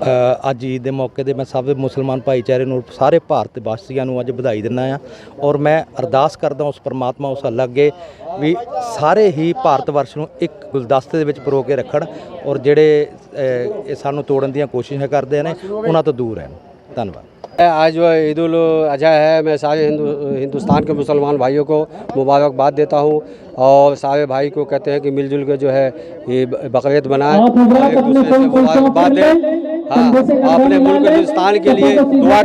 ਅੱਜ ਈਦ ਦੇ ਮੌਕੇ 'ਤੇ ਮੈਂ ਸਭ ਮੁਸਲਮਾਨ ਭਾਈਚਾਰੇ ਨੂੰ ਸਾਰੇ ਭਾਰਤ ਵਾਸੀਆਂ ਨੂੰ ਅੱਜ ਵਧਾਈ ਦਿੰਦਾ ਆ ਔਰ ਮੈਂ ਅਰਦਾਸ ਕਰਦਾ ਉਸ ਪਰਮਾਤਮਾ ਉਸ ਅੱਲਾ ਅੱਗੇ ਵੀ ਸਾਰੇ ਹੀ ਭਾਰਤ ਵਰਸ਼ ਨੂੰ ਇੱਕ ਗੁਲਦਸਤੇ ਦੇ ਵਿੱਚ ਪਰੋ ਕੇ ਰੱਖਣ ਔਰ ਜਿਹੜੇ ਇਹ ਸਾਨੂੰ ਤੋੜਨ ਦੀਆਂ ਕੋਸ਼ਿਸ਼ਾਂ ਕਰਦੇ ਨੇ ਉਹਨਾਂ ਤੋਂ ਦੂਰ ਰਹਿਣ। ਧੰਨਵਾਦ। आज जो ईद उल अजहा है, मैं सारे हिंदुस्तान के मुसलमान भाइयों को मुबारकबाद देता हूँ और सारे भाई को कहते हैं कि मिलजुल के जो है ये बकरीद मनाएं, एक दूसरे से मुबारकबाद दें। हाँ, अपने मुल्क हिंदुस्तान के लिए दुआ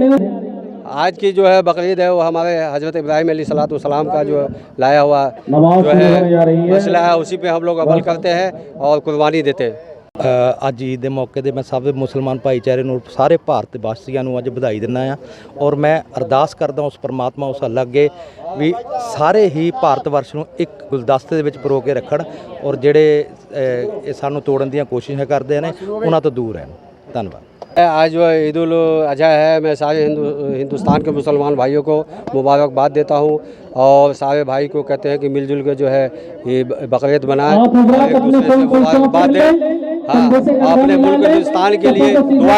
करें। आज की जो है बकरीद है वो हमारे हज़रत इब्राहीम अलैहिस्सलाम का जो लाया हुआ जो है मसला है, उसी पे हम लोग अमल करते हैं और कुर्बानी देते हैं। ਅੱਜ ਈਦ ਦੇ ਮੌਕੇ 'ਤੇ ਮੈਂ ਸਭ ਮੁਸਲਮਾਨ ਭਾਈਚਾਰੇ ਨੂੰ ਸਾਰੇ ਭਾਰਤ ਵਾਸੀਆਂ ਨੂੰ ਅੱਜ ਵਧਾਈ ਦਿੰਦਾ ਆ ਔਰ ਮੈਂ ਅਰਦਾਸ ਕਰਦਾ ਉਸ ਪਰਮਾਤਮਾ ਉਸ ਅੱਲਾ ਅੱਗੇ ਵੀ ਸਾਰੇ ਹੀ ਭਾਰਤ ਵਰਸ਼ ਨੂੰ ਇੱਕ ਗੁਲਦਸਤੇ ਦੇ ਵਿੱਚ ਪਰੋ ਕੇ ਰੱਖਣ ਔਰ ਜਿਹੜੇ ਇਹ ਸਾਨੂੰ ਤੋੜਨ ਦੀਆਂ ਕੋਸ਼ਿਸ਼ਾਂ ਕਰਦੇ ਨੇ ਉਹਨਾਂ ਤੋਂ ਦੂਰ ਰਹਿਣ। ਧੰਨਵਾਦ। आज जो ईद उल अजहा है, मैं सारे हिंदुस्तान के मुसलमान भाइयों को मुबारकबाद देता हूँ और सारे भाई को कहते हैं कि मिलजुल के जो है ये बकरीद मनाएं, एक दूसरे से मुबारकबाद दें। हाँ, अपने मुल्क हिंदुस्तान के लिए दुआ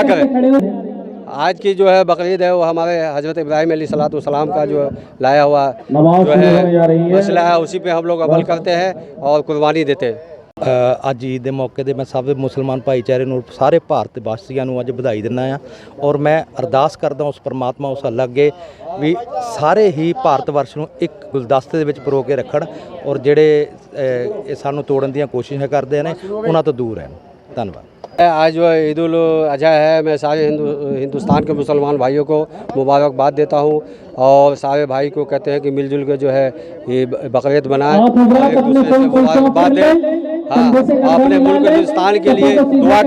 करें। आज की जो है बकरीद है वो हमारे हज़रत इब्राहीम अलैहिस्सलाम का जो लाया हुआ जो है मसला है, उसी पे हम लोग अमल करते हैं और कुर्बानी देते हैं। ਅੱਜ ਈਦ ਦੇ ਮੌਕੇ 'ਤੇ ਮੈਂ ਸਭ ਮੁਸਲਮਾਨ ਭਾਈਚਾਰੇ ਨੂੰ ਸਾਰੇ ਭਾਰਤ ਵਾਸੀਆਂ ਨੂੰ ਅੱਜ ਵਧਾਈ ਦਿੰਦਾ ਆ ਔਰ ਮੈਂ ਅਰਦਾਸ ਕਰਦਾ ਉਸ ਪਰਮਾਤਮਾ ਉਸ ਅੱਲਾ ਅੱਗੇ ਵੀ ਸਾਰੇ ਹੀ ਭਾਰਤ ਵਰਸ਼ ਨੂੰ ਇੱਕ ਗੁਲਦਸਤੇ ਦੇ ਵਿੱਚ ਪਰੋ ਕੇ ਰੱਖਣ ਔਰ ਜਿਹੜੇ ਇਹ ਸਾਨੂੰ ਤੋੜਨ ਦੀਆਂ ਕੋਸ਼ਿਸ਼ਾਂ ਕਰਦੇ ਨੇ ਉਹਨਾਂ ਤੋਂ ਦੂਰ ਰਹਿਣ। ਧੰਨਵਾਦ। आज जो ईद उल अजहा है, मैं सारे हिंदुस्तान के मुसलमान भाइयों को मुबारकबाद देता हूँ और सारे भाई को कहते हैं कि मिलजुल के जो है ये बकरीद मनाएं, एक दूसरे से मुबारकबाद दें। हाँ, अपने मुल्क हिंदुस्तान के लिए दुआ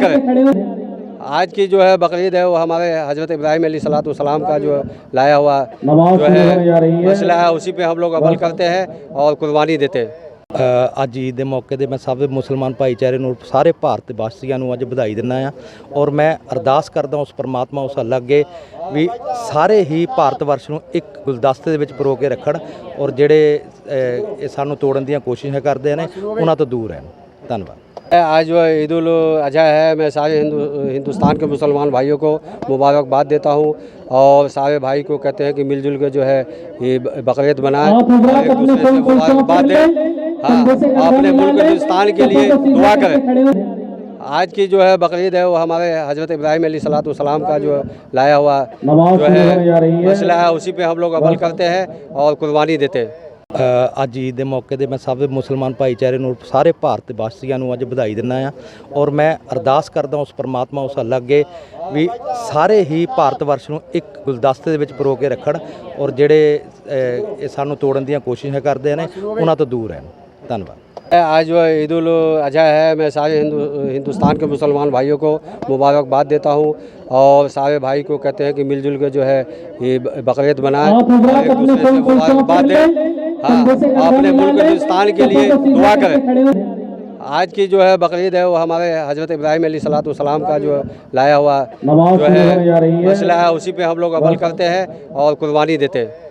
करें। आज की जो है बकरीद है वो हमारे हज़रत इब्राहीम अलैहिस्सलाम का जो लाया हुआ जो है मसला है, उसी पे हम लोग अमल करते हैं और कुर्बानी देते हैं। ਅੱਜ ਈਦ ਦੇ ਮੌਕੇ 'ਤੇ ਮੈਂ ਸਭ ਮੁਸਲਮਾਨ ਭਾਈਚਾਰੇ ਨੂੰ ਸਾਰੇ ਭਾਰਤ ਵਾਸੀਆਂ ਨੂੰ ਅੱਜ ਵਧਾਈ ਦਿੰਦਾ ਆ ਔਰ ਮੈਂ ਅਰਦਾਸ ਕਰਦਾ ਉਸ ਪਰਮਾਤਮਾ ਉਸ ਅੱਲਾ ਅੱਗੇ ਵੀ ਸਾਰੇ ਹੀ ਭਾਰਤ ਵਰਸ਼ ਨੂੰ ਇੱਕ ਗੁਲਦਸਤੇ ਦੇ ਵਿੱਚ ਪਰੋ ਕੇ ਰੱਖਣ ਔਰ ਜਿਹੜੇ ਇਹ ਸਾਨੂੰ ਤੋੜਨ ਦੀਆਂ ਕੋਸ਼ਿਸ਼ਾਂ ਕਰਦੇ ਨੇ ਉਹਨਾਂ ਤੋਂ ਦੂਰ ਰਹਿਣ। ਧੰਨਵਾਦ। आज जो ईद उल अजहा है, मैं सारे हिंदुस्तान के मुसलमान भाइयों को मुबारकबाद देता हूँ और सारे भाई को कहते हैं कि मिलजुल के जो है ये बकरीद मनाएं, एक दूसरे से मुबारकबाद दें। हाँ, अपने मुल्क हिंदुस्तान के लिए दुआ करें। आज की जो है बकरीद है वो हमारे हज़रत इब्राहीम अलैहिस्सलाम का जो लाया हुआ जो है मसला है, उसी पे हम लोग अमल करते हैं और कुर्बानी देते हैं। ਅੱਜ ਈਦ ਦੇ ਮੌਕੇ 'ਤੇ ਮੈਂ ਸਭ ਮੁਸਲਮਾਨ ਭਾਈਚਾਰੇ ਨੂੰ ਸਾਰੇ ਭਾਰਤ ਵਾਸੀਆਂ ਨੂੰ ਅੱਜ ਵਧਾਈ ਦਿੰਦਾ ਆ ਔਰ ਮੈਂ ਅਰਦਾਸ ਕਰਦਾ ਉਸ ਪਰਮਾਤਮਾ ਉਸ ਅੱਲਾ ਅੱਗੇ ਵੀ ਸਾਰੇ ਹੀ ਭਾਰਤ ਵਰਸ਼ ਨੂੰ ਇੱਕ ਗੁਲਦਸਤੇ ਦੇ ਵਿੱਚ ਪਰੋ ਕੇ ਰੱਖਣ ਔਰ ਜਿਹੜੇ ਇਹ ਸਾਨੂੰ ਤੋੜਨ ਦੀਆਂ ਕੋਸ਼ਿਸ਼ਾਂ ਕਰਦੇ ਨੇ ਉਹਨਾਂ ਤੋਂ ਦੂਰ ਰਹਿਣ। ਧੰਨਵਾਦ। आज जो ईद उल अजहा है, मैं सारे हिंदुस्तान के मुसलमान भाइयों को मुबारकबाद देता हूँ और सारे भाई को कहते हैं कि मिलजुल के जो है ये बकरीद मनाएं, एक दूसरे से मुबारकबाद दें। हाँ, अपने मुल्क हिंदुस्तान के लिए दुआ करें। आज की जो है बकरीद है वो हमारे हज़रत इब्राहीम अलैहिस्सलाम का जो लाया हुआ जो है मसला है, उसी पे हम लोग अमल करते हैं और कुर्बानी देते हैं।